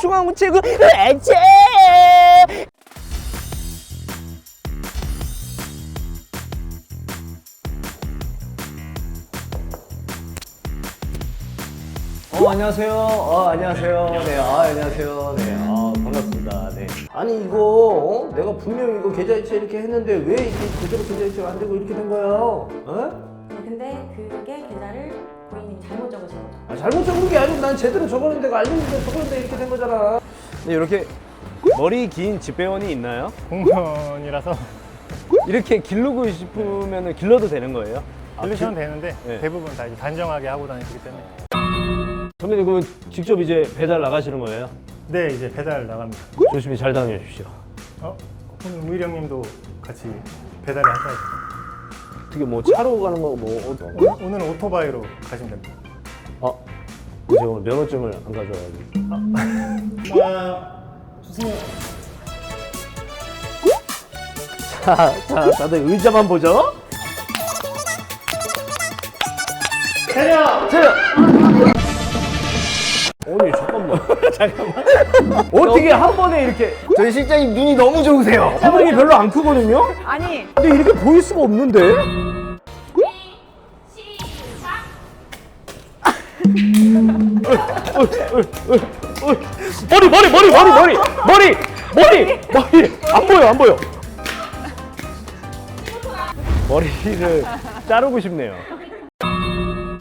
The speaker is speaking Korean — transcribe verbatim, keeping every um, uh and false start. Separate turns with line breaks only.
중앙 최고 애체. 어, 안녕하세요. 어, 안녕하세요. 네, 아, 안녕하세요. 네, 아, 반갑습니다. 네. 아니, 이거, 어? 내가 분명히 이거 계좌이체 이렇게 했는데 왜 이게 그대로 계좌이체가 안 되고 이렇게 된 거예요? 어?
네, 근데 그게 계좌를 고객님이 잘못 적으신 거죠.
아, 잘못 적은 게 아니고 난 제대로 적었는데 내가 알려준데 적었는데 이렇게 된 거잖아. 네, 이렇게 머리 긴 집배원이 있나요?
공무원이라서
이렇게 기르고 싶으면 길러도 되는 거예요?
빌리시면
아,
되는데
네.
대부분 다 이제 단정하게 하고 다니시기 때문에
선배님 그러면 직접 이제 배달 나가시는 거예요?
네 이제 배달 나갑니다.
조심히 잘 다녀주십시오.
어? 오늘 우일 형님도 같이 배달을 하셔야죠.
어떻게 뭐 차로 가는 거 뭐 어,
오늘, 오늘은 오토바이로 가시면 됩니다.
아, 제가 오늘 면허증을 안 가져와가지고.
아, 주세요.
자, 자, 다들 의자만 보죠.
차려!
자, 아니 잠깐만, 잠깐만. 어떻게 한 번에 이렇게? 저희 실장님 눈이 너무 좋으세요. 화면이 별로 안 크거든요.
아니,
근데 이렇게 보일 수가 없는데? 머리 머리 머리 머리 머리 머리 머리 머리 안 보여 안 보여. 머리를 자르고 싶네요.